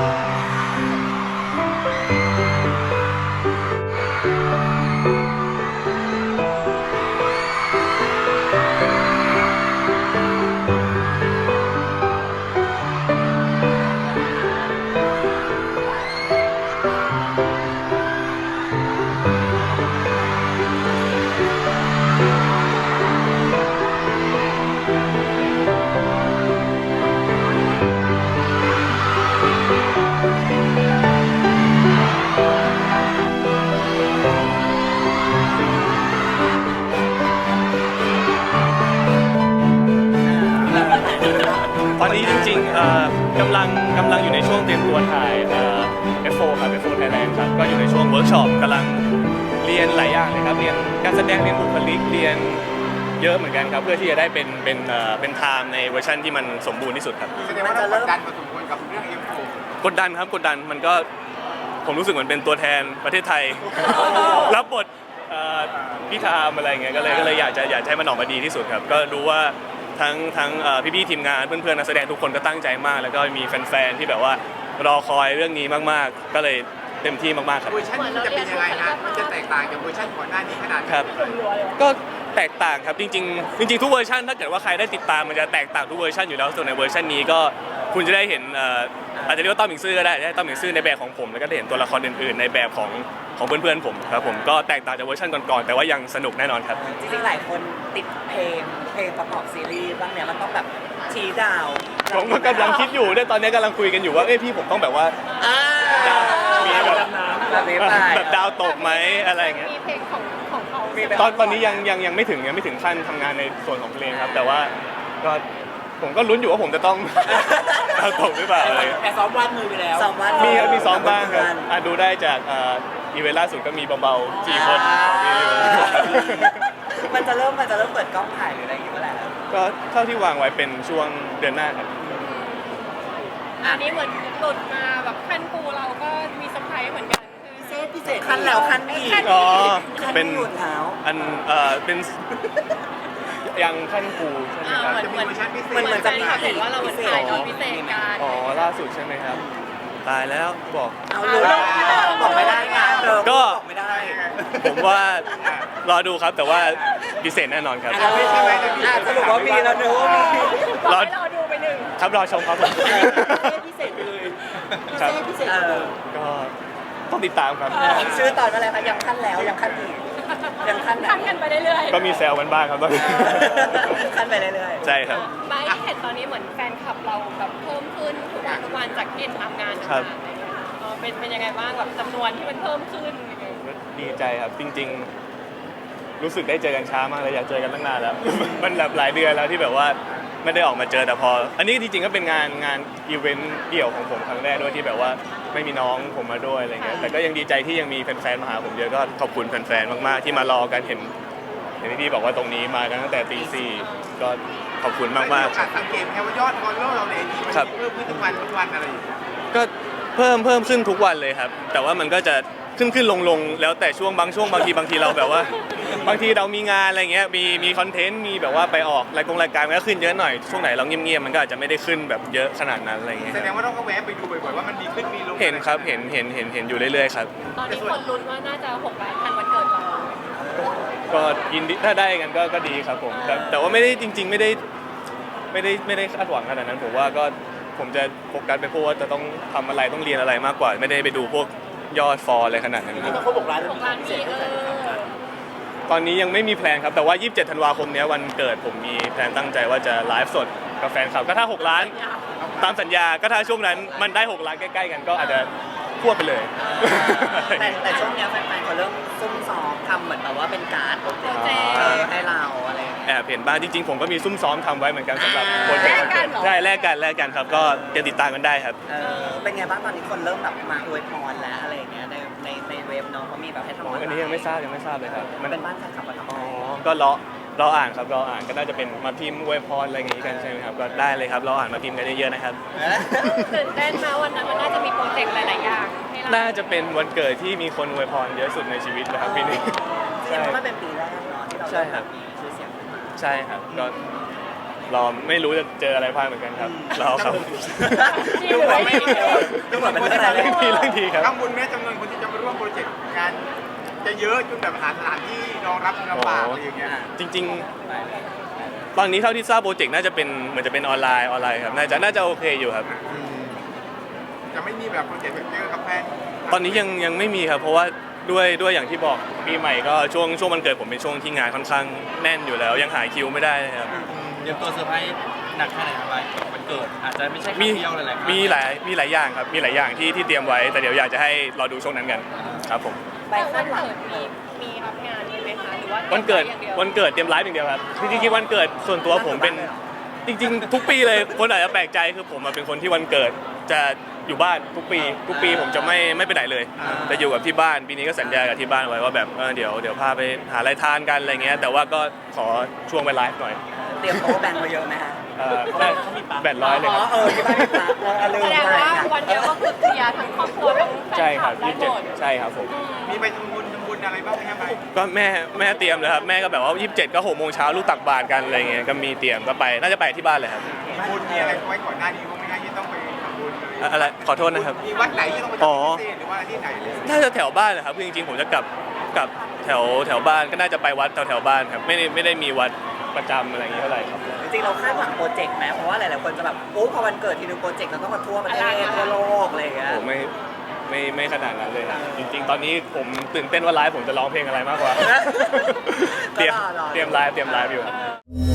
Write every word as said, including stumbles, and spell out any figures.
ตอนนี้จริงๆเอ่อกำลังกำลังอยู่ในช่วงเตรียมตัวถ่ายเอ่อ เอฟ โฟร์ ครับ เอฟ โฟร์ Thailand ครับก็อยู่ในช่วงเวิร์กช็อปกำลังเรียนหลายอย่างเลยครับเรียนการแสดงเรียนบุคลิกเรียนเยอะเหมือนกันครับเพื่อที่จะได้เป็นเป็นเอ่อเป็นไทม์ในเวอร์ชันที่มันสมบูรณ์ที่สุดครับแสดงว่าเรากดดันพอสมควรกับเรื่อง เอฟ โฟร์กดดันครับกดดันมันก็ผมรู้สึกเหมือนเป็นตัวแทนประเทศไทย รับบทเอ่อพี่ทามอะไรเงี้ยก็เลยก็เลยอยากจะอยากให้มันออกมาดีที่สุดครับก็รู้ว่าทั้งทั้งเอ่อพี่ๆทีมงานเพื่อนๆนักแสดงทุกคนก็ตั้งใจมากแล้วก็มีแฟนๆที่แบบว่ารอคอยเรื่องนี้มากๆก็เลยเต็มที่มากๆครับเวอร์ชันนี้จะเป็นยังไงฮะมันจะแตกต่างจากเวอร์ชันก่อนหน้านี้ขนาดไหนครับก็แตกต่างครับจริงๆจริงๆทุกเวอร์ชันถ้าเกิดว่าใครได้ติดตามมันจะแตกต่างทุกเวอร์ชันอยู่แล้วส่วนในเวอร์ชันนี้ก็คุณจะได้เห็นเอ่ออาจจะเรียกว่าต้อมหมิงซื่อก็ได้ได้ต้อมหมิงซื่อในแบบของผมแล้วก็ได้เห็นตัวละครอื่นๆในแบบของของเพื่อนๆผมครับผมก็แตกต่างจากเวอร์ชันก่อนๆแต่ว่ายังสนุกแน่นอนครับจริงๆหลายคนติดเพลงเพลงประกอบซีรีส์บ้างเนี่ยมันต้องแบบชี้ดาวผมก็กำลังคิดอยู่เนี่ยตอนนี้กำลังคุยกันอยู่ว่าเอ้ยพี่ผมต้องแบบว่าอ่าดาวมีแบบแบบนี้ไปแบบดาวตกไหมอะไรอย่างเงี้ยมีเพลงของของเขามีแบบตอนตอนนี้ยังยังยังไม่ถึงยังไม่ถึงขั้นทำงานในส่วนของเพลงครับ แต่ว่าก็ผมก็ลุ้นอยู่ว่าผมจะต้อง ดาวตกหรือเปล่าอะไรแต่ซ้อมวาดมือไปแล้วซ้อมวาดมีครับมีซ้อมบ้างครับอ่ะดูได้จากเอ่ออีเวนต์ล่าสุดก็มีเบาๆสี่คนมีอยู่มันจะเริ่มมันจะเริ่มเปิดกล้องถ่ายหรืออะไรอย่างเงี้ยเมื่อไหร่แล้วก็เท่าที่วางไว้เป็นช่วงเดือนหน้าครับอันนี้เหมือนหลุดมาแบบขั้นปูเราก็มีเซอร์ไพรส์เหมือนกันคือพิเศษขั้นแล้วขั้นอีกอ๋อขั้นเป็นหยุดเท้าอันเอ่อเป็นยังขั้นครูใช่ไหมอ่าครับเหมือนเหมือนจะมีเวอร์ชันพิเศษเหมือนเหมือนแฟนคลับเห็นว่าเราเหมือนถ่ายตอนพิเศษกันอ๋อล่าสุดใช่ไหมครับ ตายแล้วบอกเอาลูกบอกไม่ได้ไงเธอก็บอกไม่ได้ผมว่ารอดูครับแต่ว่าพิเศษแน่นอนครับอ่ะสรุปว่ามีแล้วเนอะว่ามีบอกให้รอดูไปหนึ่งครับรอชมครับผมพิเศษไปเลยครับพิเศษเออก็ต้องติดตามครับชื่อตอนว่าอะไรคะยังขั้นแล้วยังขั้นอีกยังขั้นไหนขั้นกันไปเรื่อยๆก็มีแซวกันบ้างครับตอนนี้ขั้นไปเรื่อยๆใช่ครับไบร์ทเห็นตอนนี้เหมือนแฟนคลับเราแบบเพิ่มขึ้นทุกวันทุกวันจากที่เห็นทำงานครับต่างๆอะไรเงี้ยเออเป็นเป็นยังไงบ้างแบบจำนวนที่มันเพิ่มขึ้นอะไรเงี้ยดีใจครับจริงๆ รู้สึกได้เจอกันช้ามากเลยอยากเจอกันตั้งนานแล้ว มันแบบหลายเดือนแล้วที่แบบว่าไม่ได้ออกมาเจอแต่พอ อันนี้จริงๆก็เป็นงานงานอีเวนต์เดี่ยวของผมครั้งแรกด้วยที่แบบว่าไม่มีน้องผมมาด้วยอะไรเงี้ยแต่ก็ยังดีใจที่ยังมีแฟนๆมาหาผมเยอะก็ขอบคุณแฟนๆมากๆที่มารอกันเห็นเห็นที่พี่บอกว่าตรงนี้มากันตั้งแต่ตีสี่ก็ขอบคุณมากๆโอกาสสังเกตแค่ว่ายอดฟอลโล่เราในไอจีมันครับเพิ่มขึ้นทุกวันทุกวันอะไรอย่างเงี้ยก็เพิ่มเพิ่มขึ้นทุกวันเลยครับ แต่ว่ามันก็จะขึ้นขึ้นลงลงแล้วแต่ช่วงบางช่วงบางทีบางทีเราแบบว่า บางทีเรามีงานอะไรเงี้ยมีมีคอนเทนต์มีแบบว่าไปออกรายกงรายการมันก็ขึ้นเยอะหน่อยช่วงไหนเราเงียบๆมันก็อาจจะไม่ได้ขึ้นแบบเยอะขนาดนั้นอะไรเงี้ยแสดงว่าเราก็แวะไปดูบ่อยๆว่ามันมีขึ้นมีลงเห็นครับเห็นเห็นเห็นเห็นอยู่เรื่อยๆครับตอนนี้คนลุ้นว่าน่าจะหกล้านทันวันเกิดเราก็ยินดีถ้าได้กันก็ก็ดีครับผมแต่แต่ว่าไม่ได้จริง ๆ ไม่ได้ไม่ได้ไม่ได้คาดหวังขนาดนั้นผมว่าก็ผมจะโฟกัสไปพวกว่าจะต้องทำอะไรต้องเรียนอะไรมากกว่า ไม่ได้ไปดูพวกยอดฟอลอะไรขนาดนั้นครับต้องเขาบอกร้านหกล้านมีเออตอนนี้ยังไม่มีแพลนครับแต่ว่า ยี่สิบเจ็ด ธันวาคมเนี้ยวันเกิดผมมีแพลนตั้งใจว่าจะไลฟ์สดกับแฟนคลับก็ถ้า หก ล้าน ตามสัญญาก็ถ้าช่วงนั้นมันได้ หก ล้านใกล้ๆกันก็อาจจะควบไปเลยแต่แต่ช่วงเนี้ยแฟนๆเขาเริ่มซุ่มซ้อมทำเหมือนแบบว่าเป็นการ์ดโปรเจกต์เออให้เราอะไรอย่างเงี้ยแอบเห็นบ้างจริงๆผมก็มีซุ่มซ้อมทำไว้เหมือนกันสำหรับโปรเจกต์แลกกันเหรอใช่แลกกันแลกกันครับก็จะติดตามกันได้ครับเออเป็นไงบ้างตอนนี้คนเริ่มแบบมาอวยพรแล้วอะไรอย่างเงี้ยในในในเว็บเนาะเขามีแบบให้ทำอ๋ออันนี้ยังไม่ทราบยังไม่ทราบเลยครับมันเป็นบ้านแฟนคลับมาทำอ๋อให้ก็รอรออ่านครับรออ่านก็น่าจะเป็นมาพิมพ์อวยพรอะไรอย่างงี้กันใช่ไหมครับก็ได้เลยครับรออ่านมาพิมพ์กันเยอะๆนะครับตื่นเต้นมาวันนั้นมันน่าจะมีโปรเจกต์หลาย ๆ อย่างให้เราน่าจะเป็นวันเกิดที่มีคนอวยพรเยอะสุดในชีวิตนะครับปีนี้จริงๆมันเป็นปีแรกเนาะที่เราใช่ครับมีชื่อเสียงขึ้นมาใช่ครับก็รอไม่รู้จะเจออะไรพลาดเหมือนกันครับรอครับดีหรือไม่ดีดูเหมือนเป็นเรื่องอะไรเรื่องดีเรื่องดีครับกังวลไหมจำนวนคนที่จะมาร่วมโปรเจกต์งานจะเยอะจนแบบหาสถานที่รองรับลำบากอะไรอย่างเงี้ยจริงๆ ตอนนี้เท่าที่ทราบโปรเจกต์น่าจะเป็นเหมือนจะเป็นออนไลน์ออนไลน์ครับน่าจะน่าจะโอเคอยู่ครับจะไม่มีแบบโปรเจกต์แบบเจอกับแฟนตอนนี้ยังยังไม่มีครับ เพราะว่าด้วยด้วยอย่างที่บอกปีใหม่ก็ช่วงช่วงวันเกิดผมเป็นช่วงที่งานค่อนข้างแน่นอยู่แล้ว ยังหาคิวไม่ได้ครับเตรียมตัวเซอร์ไพรส์หนักแค่ไหนครับไปวันเกิดอาจจะไม่ใช่ครั้มีงเดียวหลายๆครั้งมีหลายมีหลายอย่างครับมีหลายอย่างที่ที่เตรียมไว้แต่เดี๋ยวอยากจะให้รอดูช่วงนั้นกันครับผมแต่วันเกิดมีมีรับงานด้วยไหมคะหรือว่าวันเกิดอย่างดียววันเกิดเตรียมไลฟ์อย่างเดียวครับจริงๆวันเกิดส่วนตัวผมเป็นจริง ๆ ทุกปีเลยคนอาจจะแปลกใจคือผมอะเป็นคนที่วันเกิดจะอยู่บ้านทุกปี ทุกปีผมจะไม่ไม่ไปไหนเลยจะอยู่กับที่บ้านปีนี้ก็สัญญากับที่บ้านไว้ว่าแบบเออเดี๋ยวเดี๋ยวพาไปหาอะไรทานกันอะไรเงี้ยแต่ว่าก็ขอช่วงไปไลฟ์หน่อยเตรียมโต๊ะแบนมาเยอะไหมฮะเอ่อได้แปดร้อยเลยอ๋คอรับเออที่บ้านมีปลั๊กเออลืมแสดงไปว่าวันเดียวก็คือเคลียร์ทั้งครอบครัวทั้งแฟใช่นคครัลับบได้ยี่สิบหเจ็ดมดใช่ครับผมมีไปทำบุญทำบุญอะไรบ้างไหมครับไปก็แม่แม่เตรียมเลยครับแม่ก็แบบว่ายี่สิบเจ็ดก็หกโมงเช้าลูกตักบาตรกันอะไรเงี้ยก็มีเตรียมก็ไปน่าจะไปที่บ้านเลยครับบุญมีอะไรไว้ก่อนหน้านี้บ้างไหมฮะที่ต้องไปทำบุญเลยอะอะไรขอโทษนะครับมีวัดไหนที่ต้องไปทำอ๋อพิเศษหรือว่าที่ไหนเลยน่าจะแถวบ้านนะครับคือจริงๆผมจะกลับกลับแถวแถวบ้านก็น่าจะไปวัดแถวแถวบ้านครับไม่ได้ไม่ได้มีวัดประจำอะไรอย่างเงี้ยเท่าไหร่ครับจริงๆเราคาดหวังโปรเจกต์ไหมเพราะว่าหลายๆคนจะแบบโอ้พอวันเกิดทีนึงโปรเจกต์เราต้องมาทั่วประเทศทั่วโลกอะไรอย่างเงี้ยผมไม่ไม่ไม่ขนาดนั้นเลยครับจริง ๆ ตอนนี้ผมตื่นเต้นว่าไลฟ์ผมจะร้องเพลงอะไรมากกว่า เตรียมก็รอรอเตรียมไลฟ์เตรียมไลฟ์อยู่ครับ